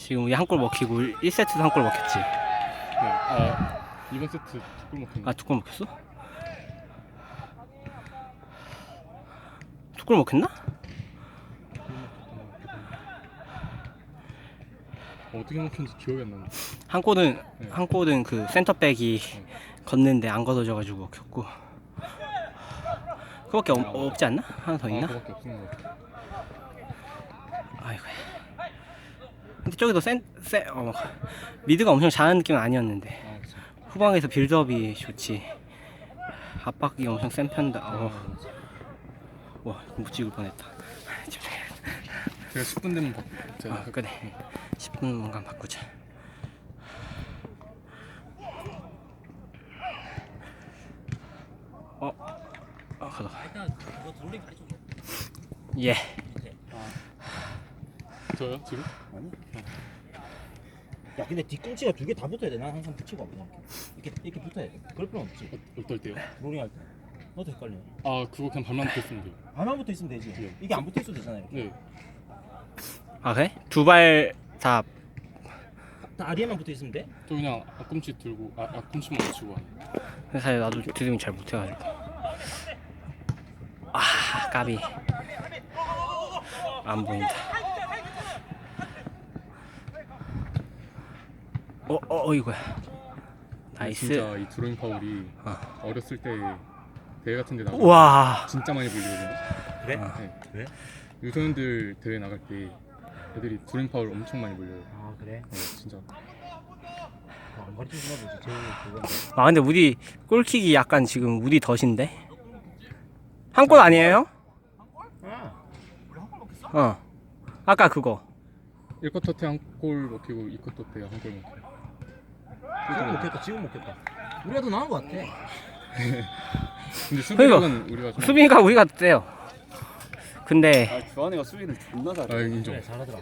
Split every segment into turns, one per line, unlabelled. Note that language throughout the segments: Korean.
지금 우리 한 골 먹히고 1세트도 한 골 먹혔지.
네. 이번 세트 2골 먹혔네.
아, 2골 먹혔어? 2골 먹혔나?
어떻게 먹혔는지 기억이 안 나는데.
한 골은
네.
한 골은 그 센터백이 걷는데 안 걷어져가지고 먹혔고. 그밖에 없지 않나? 하나 더 있나?
그밖에 없는 것 같아.
아이고. 근데 저기도 미드가 엄청 잘하는 느낌은 아니었는데
그치.
후방에서 빌드업이 좋지. 압박이 엄청 센 편이다. 와, 못 찍을 뻔했다.
제가 10분 되면 제가
그래. 10분간 바꾸자. 가자.
일단 그거 돌리 가르쳐 줘.
예.
밑에.
저요? 지금?
아니. 야 근데 뒤꿈치가 두 개 다 붙어야 돼. 난 항상 붙이고 그냥 이렇게 붙어야 돼. 그럴 필요 없지.
어떨 때요?
롤링 할 때. 너도 헷갈려.
그거 그냥 발만 붙였으면 돼요.
발만 붙어 있으면 되지.
네.
이게 안 붙어 있어도 되잖아 이렇게.
네.
아, 그래? 두 발 다.
다리에만 붙어 있으면 돼?
저 그냥 앞꿈치 들고 앞꿈치만 맞추고 하는.
사실 나도 드리블 잘 못해가지고. 까비. 안 보인다. 이거야. 나이스.
진짜 이 드로잉 파울이 어렸을 때 대회 같은 데 나가면
와.
진짜 많이 불리거든요.
그래?
네.
왜?
유소년들 대회 나갈 때 애들이 드로잉 파울 엄청 많이 불려요.
아 그래?
네, 진짜.
안 가르쳐 주나 보지. 제일 그건데.
근데 우리 골킥이 약간 지금 우리 덫인데? 한 골 아니에요? 아까 그거.
1쿼터 때 한 골 먹히고 2쿼터 때 한 골 먹히고.
지금 먹혔다. 지금 먹혔다. 우리가 더 나은 것 같아.
근데 수비력은 우리가 좀
수비가 우리가 세요. 근데
주한이가 수비를 존나 잘해.
인정.
그래 잘하더라.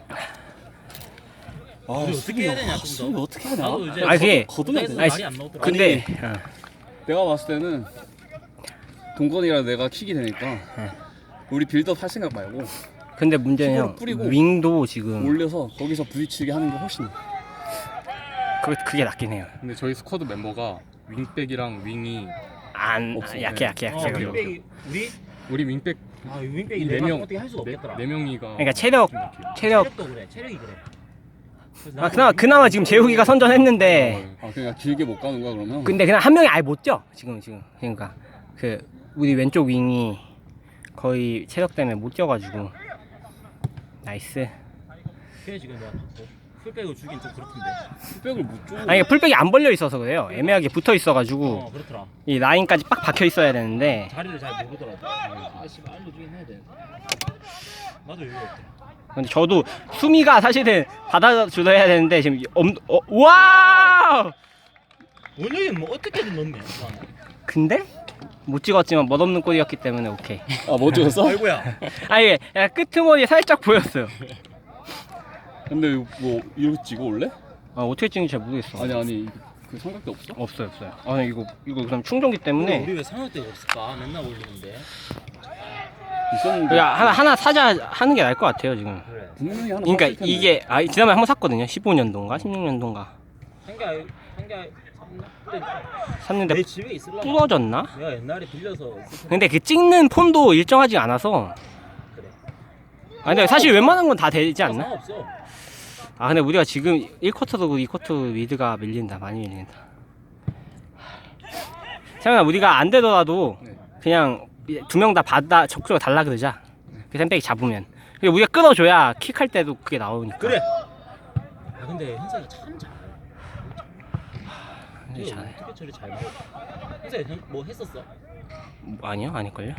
우리
어떻게 해야 되냐, 좀 더.
수비 어떻게 하냐?
나도 이제
아니, 그게
거듭내야
무대에서
돼.
말이 안 나오더라.
근데
내가 봤을 때는 동건이랑 내가 킥이 되니까 우리 빌드업 할 생각 말고
근데 문제는
힘으로
형,
뿌리고
윙도 지금
올려서 거기서 부딪히게 하는 게 훨씬
그게 낫긴 해요.
근데 저희 스쿼드 멤버가 윙백이랑 윙이
없어.
약해.
그래요.
윙백이
우리 윙백
아 윙백이
네
내가
명,
어떻게 할 수가 없겠더라.
네 명이가
그러니까 체력
체력도 그래. 체력이 그래. 그래서 나도
그나마 지금 재욱이가 선전했는데
그냥 길게 못 가는 거야 그러면?
근데 그냥 한 명이 아예 못 쪄. 지금 그러니까 그 우리 왼쪽 윙이 거의 체력 때문에 못 쪄가지고 나이스.
그래 지금 내가 봤고 풀백을 주긴 좀 그렇던데.
백을 못 줘.
아니 풀백이 안 벌려 있어서 그래요. 애매하게 붙어 있어가지고
그렇더라.
이 라인까지 빡 박혀 있어야 되는데
자리를 잘 모르더라고. 아 씨발 알려주긴 해야 돼. 나도 이거 없대.
근데 저도 수미가 사실은 받아주려 해야 되는데 지금 와!
원영이는 뭐 어떻게든 넣네.
근데 못 찍었지만 멋없는 골이었기 때문에 오케이.
뭐 찍었어?
아이고야.
아니 약간 끄트머리 살짝 보였어요.
근데 뭐 이거 찍어 올래?
어떻게 찍는지 잘 모르겠어.
아니 그 삼각대 없어?
없어요. 아니 이거 그럼 충전기 때문에
우리 왜 상어대가 없을까? 맨날 올리는데.
있었는데
그냥 하나 사자 하는 게 나을 것 같아요 지금.
그래.
분명히 하나
그러니까
샀을 텐데.
이게 지난번에 한 번 샀거든요. 15년도인가 16년도인가
한개
샀는데
내 집에 있을라.
부러졌나?
내가 옛날에 빌려서 있을 텐데.
근데 그 찍는 폰도 일정하지 않아서.
그래.
근데 사실 웬만한 건 다 되지 않나?
상관없어.
근데 우리가 지금 1쿼터도 2쿼터 미드가 밀린다. 많이 밀린다. 세영아 우리가 안 되더라도
네.
그냥 두 명 다 받아 적극적으로 달라 그러자. 그 샌백이 잡으면. 그리고 우리가 끊어줘야 킥할 때도 그게 나오니까.
그래. 근데 현석이 참 잘해.
현석이 잘해.
어떻게 저리 잘 먹어? 현석이 뭐 했었어?
아니요, 아닐걸요?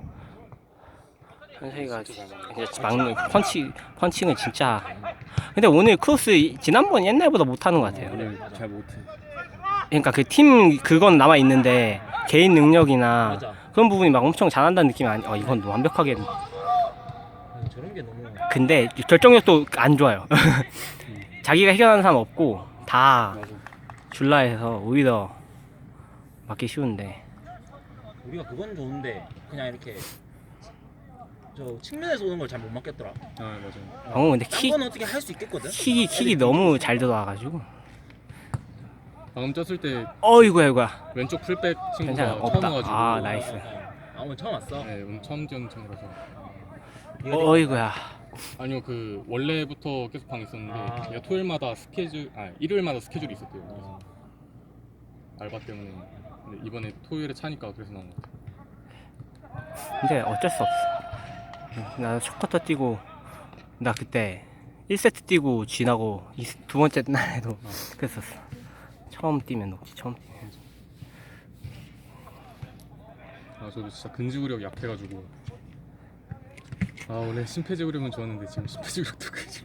현석이가 진짜 막는 펀칭은 진짜. 근데 오늘 크로스 지난번 옛날보다 못하는 것 같아요.
오늘 잘 못해.
그러니까 그 팀 그건 남아 있는데 개인 능력이나
맞아.
그런 부분이 막 엄청 잘한다는 느낌이 이건 완벽하게.
저런 게 너무.
근데 결정력도 안 좋아요. 자기가 해결하는 사람 없고 다
맞아.
줄라해서 오히려 맞기 쉬운데.
우리가 그건 좋은데 그냥 이렇게 저 측면에서 오는 걸 잘 못 막겠더라.
아 맞아요.
방금 근데
딴
킥이
건 어떻게 할 수 있겠거든.
너무 잘 들어와가지고.
방금 쪘을 때
어이구야.
왼쪽 풀백
괜찮아,
친구가
없다.
처음 와가지고.
아, 나이스.
오늘 처음 왔어.
네, 오늘 처음 지은 친구라서.
어이구야.
아니요 그 원래부터 계속 방 있었는데
아.
얘가 토요일마다 일요일마다 스케줄이 있었대요.
어.
알바 때문에. 근데 이번에 토요일에 차니까 그래서 나온 것 같아요.
근데 어쩔 수 없어. 나 첫 쿼터 뛰고 나 그때 1세트 뛰고 쥐나고 두 번째 날에도 그랬었어. 처음 뛰면 녹지. 처음 뛰면.
아 저도 진짜 근지구력 약해가지고. 아 원래 심폐지구력은 좋았는데 지금 심폐지구력도 그지.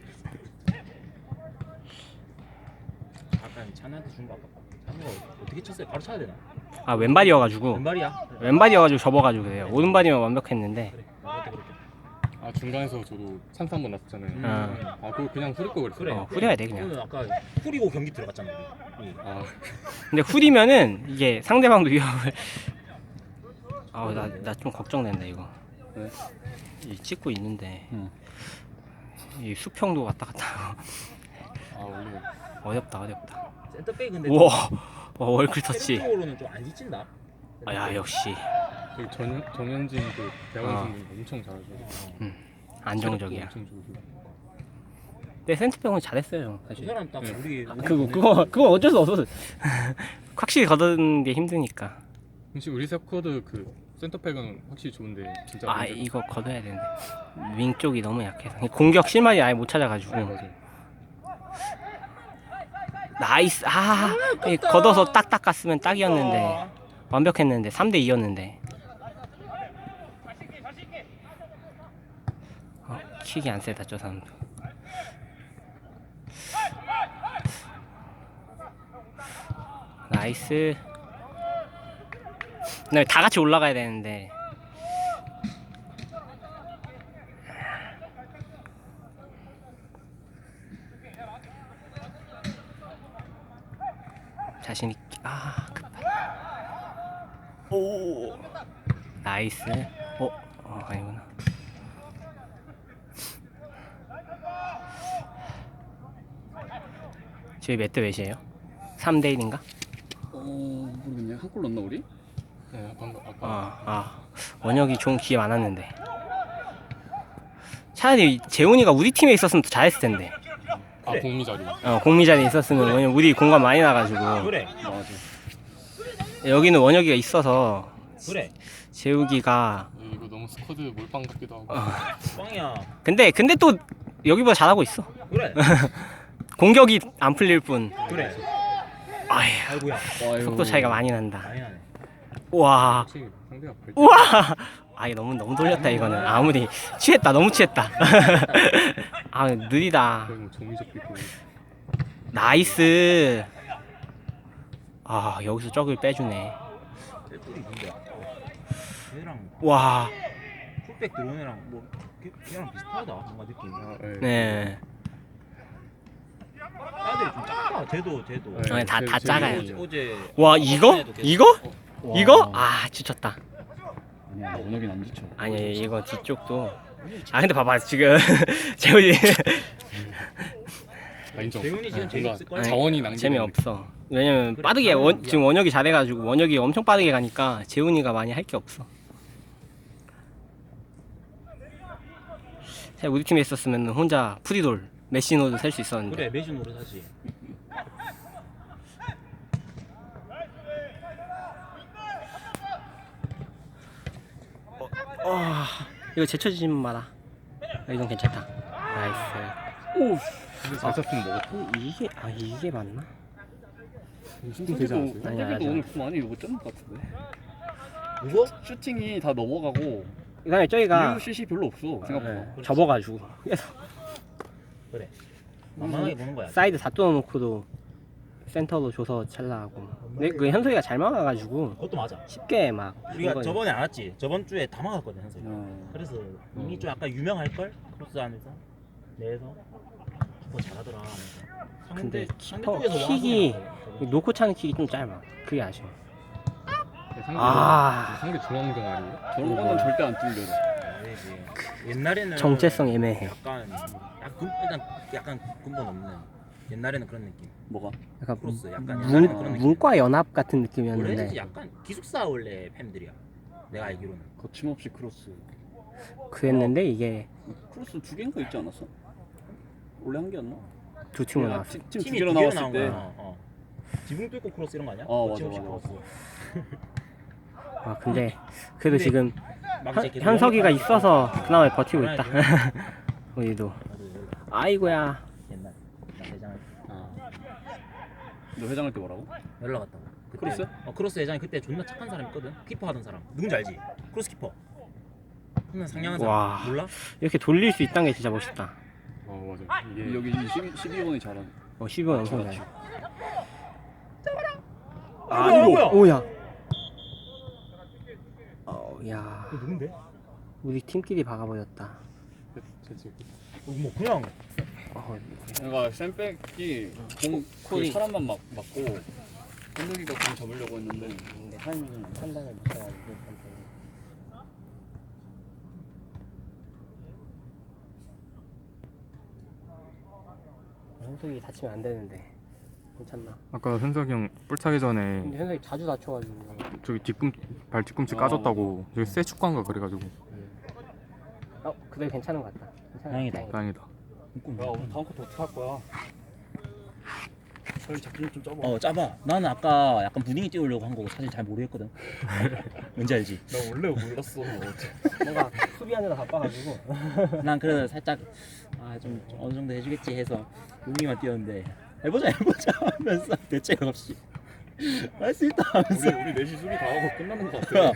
아까 찬한테 준 거 아깝다. 찬우가 어떻게 쳤어요? 바로 쳐야 되나?
아 왼발이어가지고
왼발이야?
왼발이어가지고 접어가지고 그래요. 오른발이면 완벽했는데.
그래. 나도 그렇게.
아 중간에서 저도 찬스 한 번 났었잖아요. 아 그거 그냥 후릴 거 그랬어요.
그래.
후려야 돼, 그냥.
오늘 아까 후리고 경기 들어갔잖아. 우리.
아
근데 후리면은 이게 상대방도 위협을. 아우 나 좀 걱정된다 이거.
네?
이 찍고 있는데
응.
이 수평도 왔다 갔다 하고
아 원래
어렵다.
센터백 근데
우와 월클 터치.
체력적으로는 좀 안 지친다.
아, 야 역시
저기 정현진 그 대학원
아.
선수 엄청 잘하죠.
안정적이야.
엄청 좋고.
근데 센터백은 잘했어요
그
사실.
사람 딱
네.
우리
그거 어쩔 수 없어. 확실히 걷는 게 힘드니까.
혹시 우리 스쿼드 그 센터백은 확실히 좋은데 진짜.
아 이거 걷어야 되는데 윙 쪽이 너무 약해서 공격 실마리 아예 못 찾아가지고.
네, 맞아요.
나이스. 걷어서 딱딱 갔으면 딱이었는데 완벽했는데 3대 2였는데. 킥이 안 세다 저 사람도. 나이스. 근데 다 같이 올라가야 되는데. 자신 있게. 오. 나이스. 아니구나. 저희 몇 대 몇이에요? 3대 1인가?
모르겠네. 한 골 넣나 우리?
네, 방금 아까
원혁이 좋은 기회 많았는데. 차라리 재훈이가 우리 팀에 있었으면 더 잘했을 텐데.
그래.
공미 자리.
공미 자리에 있었으면 왜냐면 우리 공간 많이 나가지고.
그래.
맞아.
여기는 원혁이가 있어서
그래.
재욱이가.
이거 너무 스쿼드 몰빵 같기도 하고.
꽝이야.
근데 또 여기보다 잘하고 있어.
그래.
공격이 안 풀릴 뿐.
그래.
아휴,
아이고야.
속도 차이가 많이 난다.
많이 나네.
와.
혹시 상대가 발.
우와. 이거 너무 돌렸다 이거는. 아무리 취했다. 너무 취했다. 느리다.
거의 뭐 종이적 비고.
나이스. 여기서 적을 빼주네.
뿔이 누구야? 얘랑
와.
풀백 들어온 애랑 뭐 걔랑 비슷하다. 뭔가 느낌이.
네.
애들이 좀 작다. 쟤도.
네.
다
쟤-
작아요.
어제
와 이거? 이거? 지쳤다.
아니야 원혁이는 안 지쳐.
아니 이거 뒤쪽도. 근데 봐봐 지금 재훈이
인정.
재훈이 지금
뭔가
재밌을 거야.
자원이 낭비.
재미없어. 왜냐면
그래,
빠르게
자원은
지금 원혁이 잘해가지고 원혁이 엄청 빠르게 가니까 재훈이가 많이 할 게 없어. 우리 팀에 있었으면 혼자 프리돌 메시노도 셀 수 있었는데.
그래 매주 노릇 하지.
이거 제쳐지지 마라. 이건 괜찮다. 나이스.
근데 잘 찼으면 먹었다.
이게 맞나?
되지 않았어요?
아니야,
도
아니야.
오늘 좀 많이 이거 쩐것 같은데.
누구?
슈팅이 다 넘어가고
그다음에 저희가
이후 슛이 별로 없어 생각보다.
접어가지고 그래서
그래. 만만하게 보는 거야.
사이드 다 뚫어놓고도 센터로 줘서 찰나하고. 근데 그 현석이가 잘 막아가지고
그것도 맞아.
쉽게 막.
우리가
이거-
저번에 안 왔지. 저번 주에 다 막았거든 현석이.
어.
그래서 이미 좀 약간 유명할 걸 크로스 안에서 내에서 키퍼 잘하더라. 하면서.
근데
상대
키퍼
쪽에서
킥이
와서
놓고 차는 킥이 좀 짧아. 그게 아쉬워.
상대
아.
상대 중앙 동아리.
저런 거는 절대 안 뚫려.
아니지. 옛날에는
정체성 애매해.
약간 근본 없는. 옛날에는 그런 느낌.
뭐가?
약간
크로스 약간 옛날에는 그런 느낌.
문과 연합 같은
원래
느낌이었는데
약간 기숙사 원래 팬들이야. 내가 알기로는.
거침없이 크로스.
그랬는데 이게
크로스 2개인가 있지 않았어? 원래 한 개였나?
두 팀으로 나왔어.
팀
팀이
2개로
두 개로
나왔을
나온
때.
거야. 지붕 뚫고 크로스 이런 거 아니야?
맞아,
거침없이
맞아.
크로스.
아 근데 그래도
근데
지금
막 이제 계속
현석이가
연락하니까
있어서 그나마 버티고 있다.
전화해줘.
우리도.
나도 연락.
아이고야.
옛날 나 대장
너 회장할 때 뭐라고?
연락 왔다고. 그때,
크로스?
크로스 회장이 그때 존나 착한 사람 있거든. 키퍼 하던 사람. 누군지 알지? 크로스 키퍼. 한명 상냥한 사람.
와.
몰라?
이렇게 돌릴 수 있다는 게 진짜 멋있다.
맞아. 이게
여기 12번이 잘하네.
12번 엄청 잘.
아 이거
오야. 야.
이거 누군데?
우리 팀끼리 박아버렸다.
뭐 그냥
그러니까 샌백이 공
콜이.
사람만 맞고 현석이가 공 잡으려고 했는데
근데 판단을 못해가지고. 현석이 다치면 안 되는데 괜찮나?
아까 현석이 형 뿔차기 전에
근데 현석이 자주 다쳐가지고.
저기 발 뒤꿈치
아,
까졌다고 저기 새 축구한가 그래가지고
그래도 괜찮은 것 같다. 괜찮아.
다행이다.
다행이다.
야 오늘 다음 컷 어떻게 할 거야? 저희 작품 좀 짜봐.
짜봐. 나는 아까 약간 분위기 띄우려고 한 거고 사실 잘 모르겠거든. 뭔지 알지?
나 원래 몰랐어.
뭔가 수비하느라 바빠가지고.
난 그래도 살짝 좀 어느 정도 해주겠지 해서 분위기만 띄웠는데 해보자 하면서 대책 없이 할 수 있다 하면서
우리 넷이 수비 다 하고 끝나는 거 같아.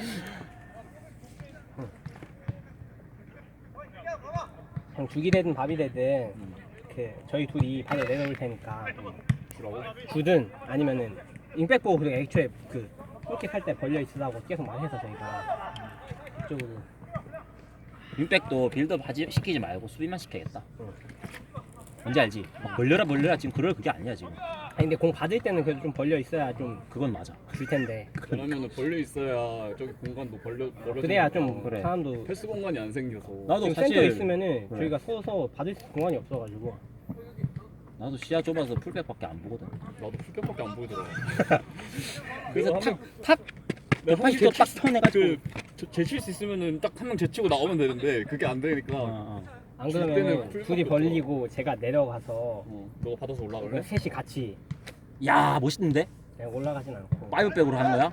그냥 죽이 되든 밥이 되든 그 저희 둘이 바로 내려올 테니까
주라고?
주든 아니면은 윙백 보고 그리고 애초에 그 골킥 할 때 벌려 있으라고 계속 말해서 저희가 이쪽으로.
윙백도 빌드업 시키지 말고 수비만 시켜야겠다.
응.
뭔지 알지? 막 벌려라 지금 그게 아니야 지금.
아니 근데 공 받을 때는 그래도 좀 벌려 있어야 좀
그건 맞아.
줄 텐데.
그러면은 벌려 있어야 저기 공간도 벌려.
그래야 좀
그래.
사람도
패스 공간이 안 생겨서.
나도
지금
사실
센터 있으면은
그래.
저희가 서서 받을 수 공간이 없어가지고.
나도 시야 좁아서 풀백밖에 안 보거든.
나도 풀격밖에 안 보이더라.
그래서
내가
탑
내가
180도 딱 턴해가지고
제칠 수 있으면은 딱 한 명 제치고 나오면 되는데 그게 안 되니까.
안
줄 때는
그러면
풀
둘이
밖에
벌리고 제가 내려가서
너가 받아서 올라갈래?
셋이 같이
야 멋있는데?
그냥 올라가진 않고.
파이브백으로 하는 거야?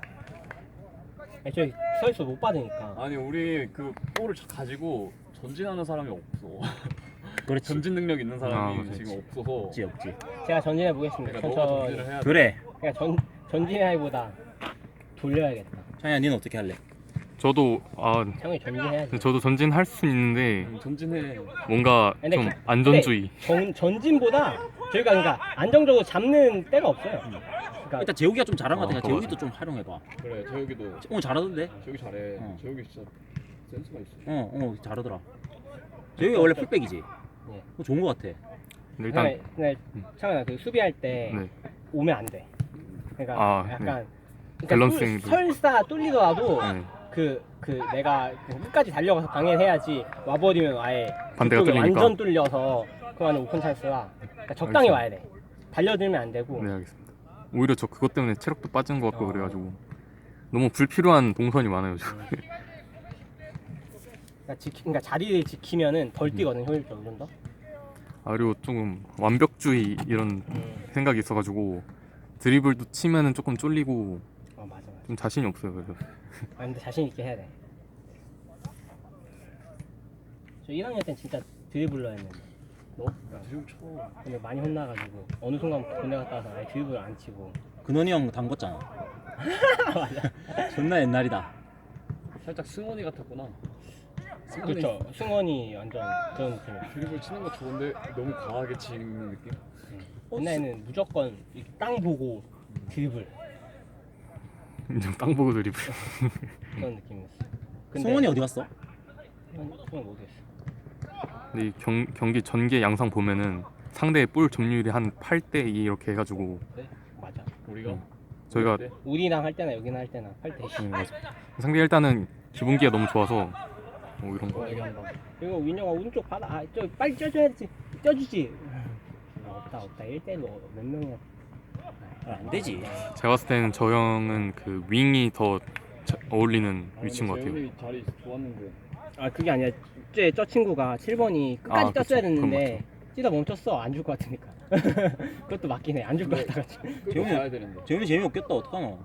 애초에 서 있어 못 받으니까.
아니 우리 그 볼을 가지고 전진하는 사람이 없어.
그렇지.
전진 능력 있는 사람이
그렇지.
지금 없어서.
없지.
제가 전진해 보겠습니다.
그러니까 너가
천천히.
전진을 해야 돼.
그래.
그냥 전진하기보다 돌려야겠다.
창이야, 니는 어떻게 할래?
저도
형이 전진해야지.
저도 전진할 수 있는데
전진해.
뭔가
근데
좀
그-
안전주의.
전진보다 저희가 그러니까 안정적으로 잡는 때가 없어요. 그러니까
일단 재욱이가 좀 잘한 것 같아.
그거
재욱이도 좀 활용해봐.
그래 재욱이도.
오늘 잘하던데?
재욱이 잘해.
어.
재욱이 진짜 센스가 있어.
잘하더라. 재욱이 원래 풀백이지?
예.
그거 좋은 것 같아.
근데 일단
근데 창현아 그 수비할 때
네.
오면 안 돼. 그러니까 약간 그러니까
밸런싱이
설사 뚫리더라도
네.
그 내가 끝까지 달려가서 방해를 해야지. 와버리면 아예
반대가
그쪽에
뚫리니까.
완전 뚫려서 그만은 오픈 찬스라. 그러니까 적당히
알겠습니다.
와야 돼. 달려들면 안 되고.
네 알겠습니다. 오히려 저 그것 때문에 체력도 빠진 것 같고
어.
그래가지고 너무 불필요한 동선이 많아요. 저.
그러니까 자리를 지키면은 덜 뛰거든 효율적으로 좀 더.
그리고 조금 완벽주의 이런 생각이 있어가지고 드리블도 치면은 조금 쫄리고
맞아.
좀 자신이 없어요. 그래서
근데 자신 있게 해야 돼. 저 1학년 때는 진짜 드리블러 했는데. 너?
드리블 쳐.
근데 많이 혼나가지고 어느 순간부터 군대 갔다 와서 아예 드리블을 안 치고.
근원이 형 담궜잖아.
맞아.
존나 옛날이다.
살짝 승원이 같았구나.
그렇죠. 승원이 완전 그런 느낌이야.
드리블 치는 거 좋은데 너무 과하게 치는 느낌?
옛날에는 무조건 이땅 보고 드리블
그냥 땅 보고 드리블.
그런 느낌이었어.
승원이 어디 갔어?
승원 모르겠어.
근데 이 경기 전개 양상 보면은 상대의 볼 점유율이 한 8대 2 이렇게 해가지고
그래? 맞아.
우리가
저희가
그때?
우리랑 할 때나 여기나 할 때나 8대
네, 맞아. 상대 일단은 기본기가 너무 좋아서 뭐 이런 거.
여기 한번.
이거 윈영아 오른쪽 받아. 아, 저 빨리 쪄줘야지. 쪄주지. 없다. 1대1로 몇 명이야.
안 되지.
제가 봤을 때는 저 형은 그 윙이 더 어울리는 위치인 것 같아요.
재훈이 자리 좋았는데.
아, 그게 아니라 저 친구가 7번이 끝까지
아, 그쵸.
떴어야
그건
됐는데 뛰다 멈췄어. 안 줄 것 같으니까. 그것도 맞긴 해. 안 줄 것 같다가.
재훈이 가야 되는데.
재훈이 재미없겠다. 어떡하노?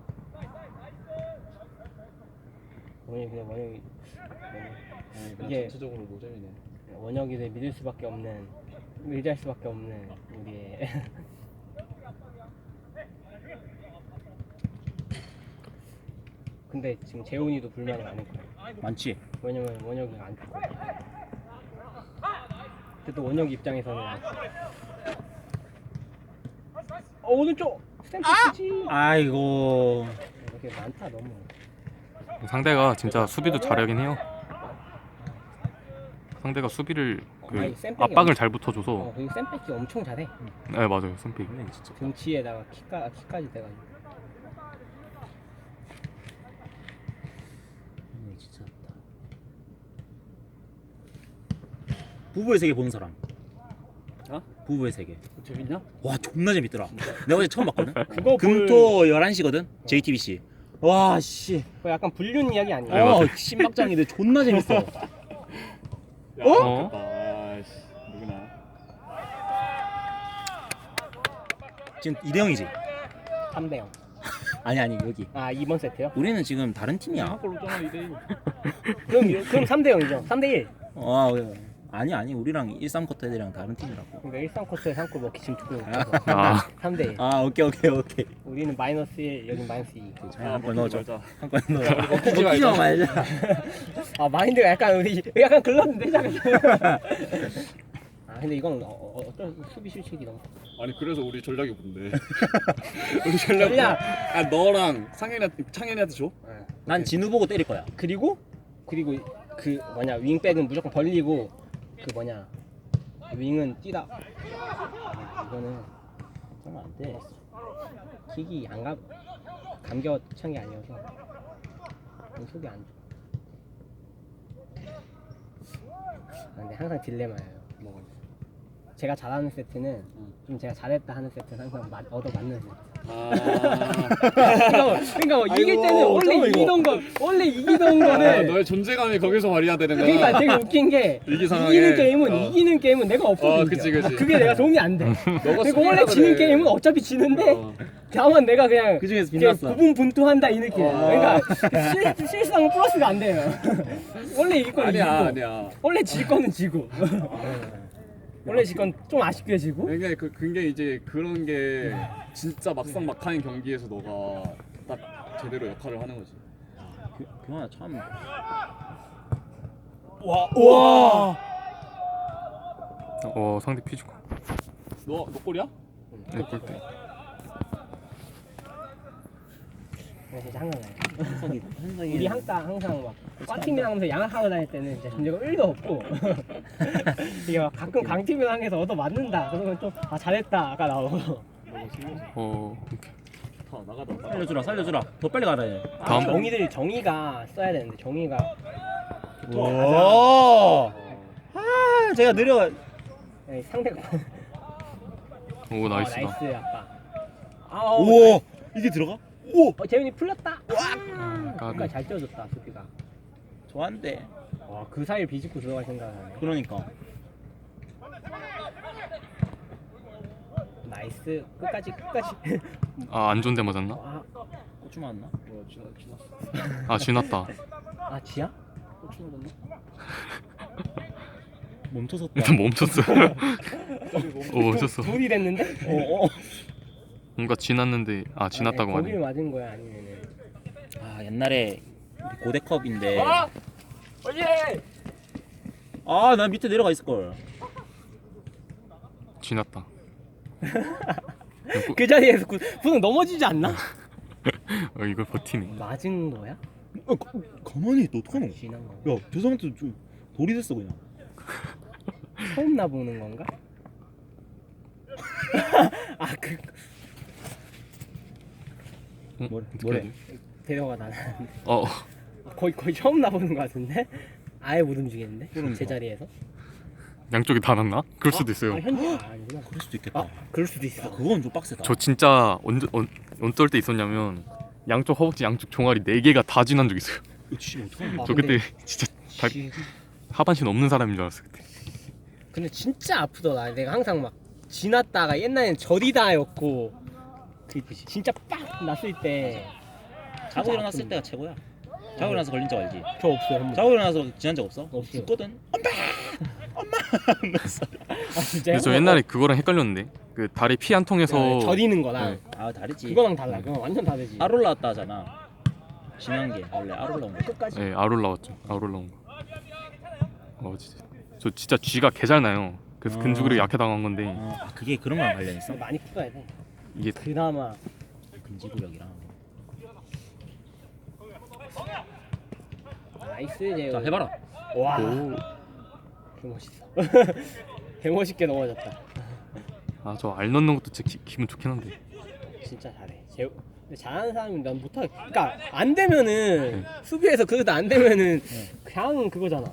원영이
그냥
이게-
전체적으로 노잼이네.
원혁이를 믿을 수밖에 없는, 의지할 수밖에 없는 우리의 근데 지금 재훈이도 불만이 많을 거야.
많지.
왜냐면 원혁이가 안 줄 거야. 근데 또 원혁 입장에서는 오른쪽 스탬프 치지.
아이고.
이렇게 많다 너무.
상대가 진짜 수비도 잘하긴 해요. 상대가 수비를 그
아니, 쌤백이
압박을 잘 붙어줘서.
그리고 샌백이 엄청 잘해.
네 맞아요 선픽.
진짜.
등치에다가 키까지 돼가지고.
진짜. 부부의 세계 보는 사람.
어?
부부의 세계.
재밌냐?
와 존나 재밌더라. 내가 어제 처음 봤거든.
그거
금토 11시거든. JTBC. 와 씨.
그거 약간 불륜 이야기 아니야?
네, 맞아요.
신박장인데 존나 재밌어.
어?
아씨 누구나.
지금 2대0이지.
3대0.
아니 여기.
아, 2번 세트요?
우리는 지금 다른 팀이야.
한골 넣잖아 2대1.
그럼 3대0이죠. 3대1.
아 아니 우리랑 1-3쿼터 애들이랑 다른 팀이라고.
그러니까 1-3쿼터에 3골 먹기 지금 두고 있어서
아
3대1.
아 오케이.
우리는 -1, 여긴 -2.
한번 넣어줘.
말자.
한번 넣어줘.
먹히지
먹히지 말자.
아, 마인드가 약간 우리 약간 글렀는데 잠깐. 아, 근데 이건 어떤 수비 실책이 너무.
아니 그래서 우리 전략이 뭔데? 우리 전략.
전략!
아 너랑 창현이한테 줘?
난 진우 보고 때릴 거야.
그리고 그 뭐냐 윙백은 무조건 벌리고 그 뭐냐 윙은 뛰다. 아, 이거는
그러면 안 돼.
킥이 안 감겨 찬 게 아니어서 속이 안 좋아. 아, 근데 항상 딜레마예요.
뭐가?
제가 잘하는 세트는 좀 제가 잘했다 하는 세트는 항상 얻어 맞는 세트.
아.
그러니까 뭐 이길 때는 원래 이기던
아,
거는
너의 존재감이 거기서 발휘되는 거야.
그러니까 되게 웃긴 게
위기 상황에.
이기는 게임은 내가 없어도 이겨.
그치.
그게 내가 도움이 안 돼. 그리고 원래 지는 게임은 어차피 지는데 다만 내가 그냥
그 중에서
이렇게
빛났어.
부분분투한다 이 느낌. 그러니까 실수하면 플러스가 안 돼요. 원래 이길 거는 이기고
아니야.
원래 질 거는 지고 원래 질 건 좀 아쉽게 지고
굉장히 굉장히 이제 그런 게 진짜 막상 막하는 경기에서 너가 딱 제대로 역할을 하는 거지.
규환아 참.
와
상대 피지컬.
너 골이야?
네 골대.
진짜 항상
현석이
우리 항상 막 과팀이랑 하면서 양악하고 다닐 때는 진짜 존재가 1도 없고 이게 막 가끔 강팀이랑 항해서 얻어 맞는다 그러면 좀 잘했다가 나오고
오케이.
다 나가다.
살려주라. 더 빨리 가라 해.
다음.
정의가 써야 되는데 정의가
오. 아 제가 느려.
상대가
오 나이스다.
나이스 아빠
오 이게 들어가? 오
재민이 풀렸다
까비.
그러니까 잘 뛰어줬다 수비가
좋아한데.
와그 사이를 비집고 들어갈 생각하네
그러니까.
나이스 끝까지
안 좋은 데 맞았나?
고추 맞나?
뭐야 지났어.
아 지났다.
아 지야?
고추 맞았나?
멈춰섰다.
일단 멈췄어. 멈췄어.
둘이 됐는데?
뭔가 지났는데 지났다고
거기를
하네.
맞은 거야 아니면은
아 옛날에 고대컵인데.
오예
아 난 밑에 내려가 있을 걸.
지났다.
그 자리에서 분은 넘어지지 않나?
이걸 버티네.
맞은 거야?
가만히 있다 어떡하노?
지난 거.
야 저 사람한테 좀 돌이 됐어 그냥.
처음 나 보는 건가?
뭐래?
어떻게 해야 돼?
데려가 나는
어
거의 처음 나 보는 거 같은데? 아예 못 움직이는데
그러니까.
제자리에서.
양쪽이 다 났나? 그럴 수도 있어요.
아니구나.
그럴 수도 있겠다.
그럴 수도 있어.
야, 그건 좀 빡세다.
저 진짜 어떨 때 있었냐면 양쪽 허벅지 양쪽 종아리 4개가 다 지난 적 있어요.
이거 진짜 어떡하냐.
저 그때 진짜 하반신 없는 사람인 줄 알았어요. 그때.
근데 진짜 아프더라. 내가 항상 막 지났다가 옛날엔 저리다였고 그 진짜 빡 났을 때
자고 일어났을 때가 최고야. 자고 일어나서 걸린 적 알지?
저 없어요. 한 번.
자고 일어나서 지난 적 없어?
없어요.
죽거든.
아 진짜요?
근데 저 옛날에 그거랑 헷갈렸는데 그 다리 피 한 통에서
저리는 거랑
아 다르지.
그거랑 달라. 그건 완전 다르지.
알 올라왔다 하잖아. 지난 게 원래 알 올라온 거.
끝까지.
네, 알 올라왔죠. 알 올라온 거. 진짜 저 진짜 쥐가 개 잘 나요. 그래서 근주근력 약해 당한 건데
아 그게 그런 거랑 관련 있어?
많이 풀어야 돼.
이게
그나마
근지구력이랑.
나이스 제우.
자 해봐라.
와.
오.
개 멋있어. 개 멋있게 넘어졌다.
저 알 넣는 것도 진짜 기분 좋긴 한데
진짜 잘해. 제우. 근데 잘하는 사람이 난 못하겠. 그러니까 안 되면은 수비에서 그래도 안 되면은 그냥 그거잖아.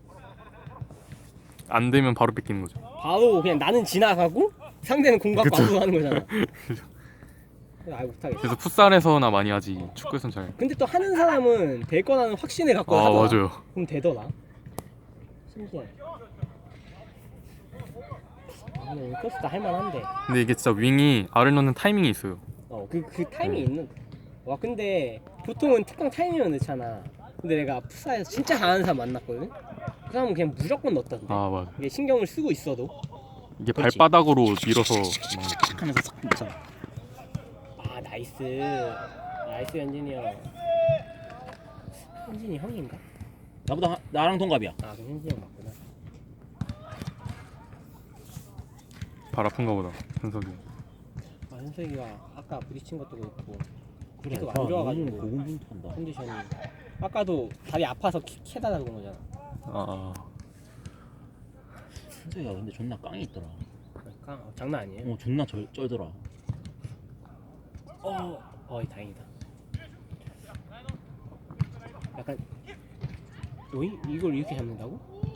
안 되면 바로 뺏기는 거죠.
바로 그냥 나는 지나가고 상대는 공 갖고
그쵸.
안고 하는 거잖아. 그래서 아예 못하겠어.
그래서 풋살에서나 많이 하지 축구에선 잘.
근데 또 하는 사람은 될 거라는 확신을 갖고
아
하더라.
맞아요.
그럼 되더라. 신기해. 근데 윙커스도 할만한데.
근데 이게 진짜 윙이 알을 넣는 타이밍이 있어요.
그 타이밍이 있는. 와 근데 보통은 특강 타이밍을 넣잖아. 근데 내가 풋살에서 진짜 잘하는 사람 만났거든. 그 사람은 그냥 무조건 넣었던데.
맞아.
이게 신경을 쓰고 있어도.
이게
그렇지.
발바닥으로 밀어서
탁 하면서 싹 붙잖아.
아 나이스. 나이스 현진이 형. 현진이 형인가?
나보다 나랑 동갑이야.
아 그럼 현진이 형 맞구나.
발 아픈가 보다 현석이.
아 현석이가 아까 부딪힌 것도 그렇고
그래.
계속 안 좋아가지고
고군분투한다.
컨디션이. 아까도 다리 아파서 캐다가 그런 거잖아.
현석이가 근데 존나 깡이 있더라.
그러니까 장난 아니에요.
존나 쩔더라.
다행이다. 약간 오이 이걸 이렇게 잡는다고?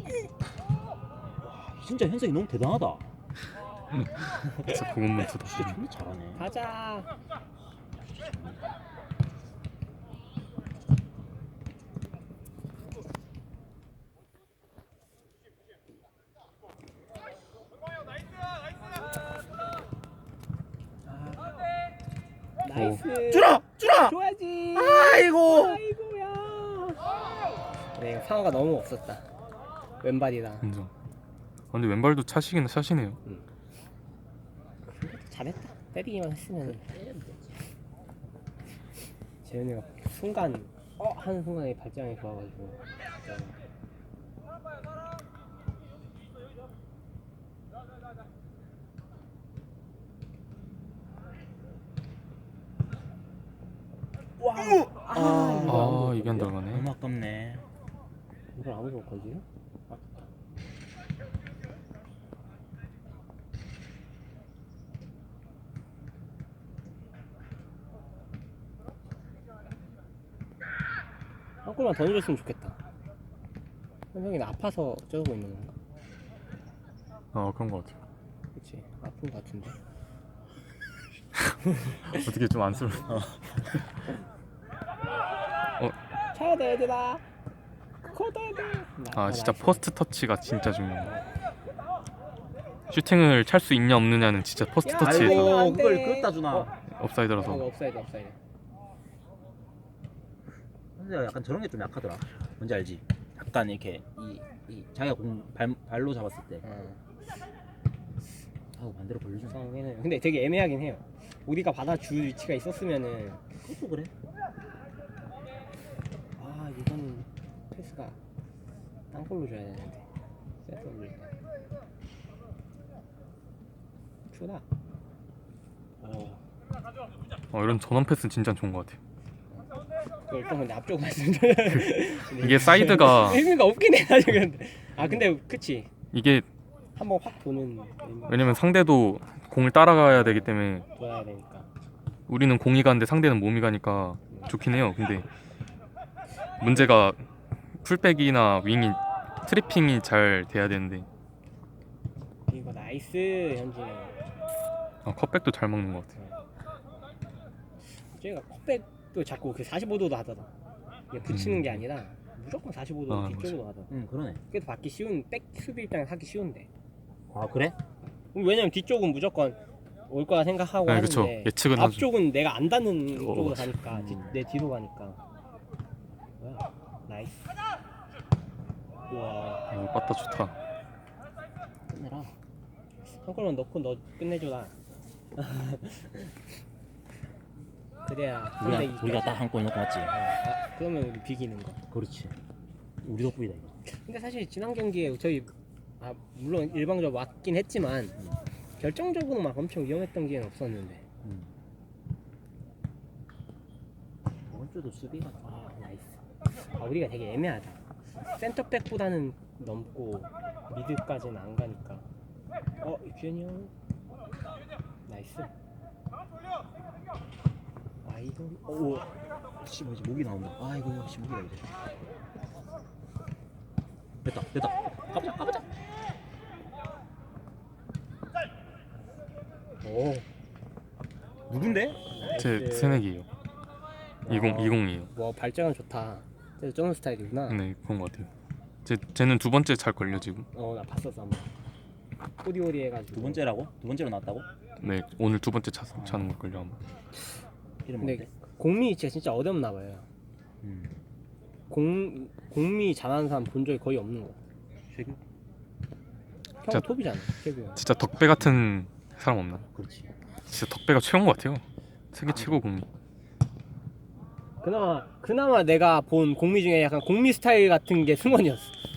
진짜 현석이 너무 대단하다.
진짜 고군분투다.
진짜 존나 잘하네.
가자. 나이스.
주라!
줘야지.
아이고!
아이고야. 네, 상어가 너무 없었다. 왼발이라.
인정. 근데 왼발도 차시긴 차시네요.
잘했다. 때리기만 했으면. 재현이가 순간 하는 순간에 발장이 좋아가지고.
이게 안 들어가네.
너무 아깝네.
이걸 아무도 못 건지요? 한 골만 더 넣어줬으면 좋겠다. 현성이는 아파서 저러고 있는 건가?
그런 거 같아요.
그치 아픈 거 같은데.
어떻게 좀 안쓰러.
차야 돼 얘들아. 걷어야 돼.
진짜 퍼스트 터치가 진짜 중요해요. 슈팅을 찰 수 있냐 없느냐는 진짜 퍼스트
야,
터치.
아이고. 안 돼.
그걸 그렇다 주나.
업사이드라서.
업사이드.
현석이가 약간 저런 게 좀 약하더라. 뭔지 알지? 약간 이렇게 이 자기가 공 발로 잡았을 때 하고 반대로 벌려주는.
상황에는 근데 되게 애매하긴 해요. 우리가 받아줄 위치가 있었으면은.
그것도 그래.
이거는 패스가 땅볼로 줘야 되는데. 세트 올릴 때. 주다.
이런 전원 패스는 진짜 좋은 것 같아요.
일단 근데 앞쪽 말씀드려.
이게 사이드가
의미가 없긴 해 사실. 근데 그치.
이게
한번 확 도는 의미가
왜냐면 상대도 공을 따라가야 되기 때문에
돌아야 되니까.
우리는 공이 가는데 상대는 몸이 가니까 좋긴 해요. 근데 문제가 풀백이나 윙이 트리핑이 잘 돼야 되는데
이거 나이스 현진이.
컵백도 잘 먹는 것 같아.
저희가 컵백도 자꾸 그 45도도 하더라. 이게 붙이는 게 아니라 무조건 45도
아,
뒤쪽으로 하더라.
그러네.
그래도 받기 쉬운 백 수비 입장에서 하기 쉬운데.
아 그래?
왜냐면 뒤쪽은 무조건 올 거라 생각하고
네, 그쵸.
하는데
예측은 하죠.
앞쪽은 내가 안 닿는
어,
쪽으로 가니까 내 뒤로 가니까. 뭐야? 나이스. 우와.
이거 빠따 좋다.
끝내라.
한 골만 넣고 너 끝내줘라. 그래야 상대
우리가 딱 한 골 넣고 맞지?
그러면 우리 비기는 거.
그렇지. 우리 덕분이다 이거.
근데 사실 지난 경기에 저희 물론 일방적으로 맞긴 했지만 결정적으로 막 엄청 위험했던 기회는 없었는데.
이번 주도 수비가
나이스. 우리가 되게 애매하다. 센터백보다는 넘고 미드까지는 안 가니까. 규현이 형. 나이스. 이거
오. 씨 뭐지 목이 나온다. 이거 씨 목이다 이제. 됐다. 가보자.
오.
누군데?
제 새내기예요. 2020이에요.
뭐 발전은 좋다. 저런 스타일이구나.
네, 그런 것 같아요. 쟤는 두 번째 잘 걸려 지금.
나 봤었어 한번. 오리오리 해가지고.
두 번째라고? 두 번째로 나왔다고?
네, 오늘 두 번째 차는 걸 걸려 아마.
이름
근데
뭔데?
공미 위치가 진짜 어렵나 봐요. 공미 잘하는 사람 본 적이 거의 없는 거.
최규?
형
진짜-
톱이잖아. 최고.
진짜 덕배 같은 사람 없나?
그렇지.
진짜 덕배가 최고인 것 같아요. 세계 최고 공이.
그나마 내가 본 공미 중에 약간 공미 스타일 같은 게 승원이었어.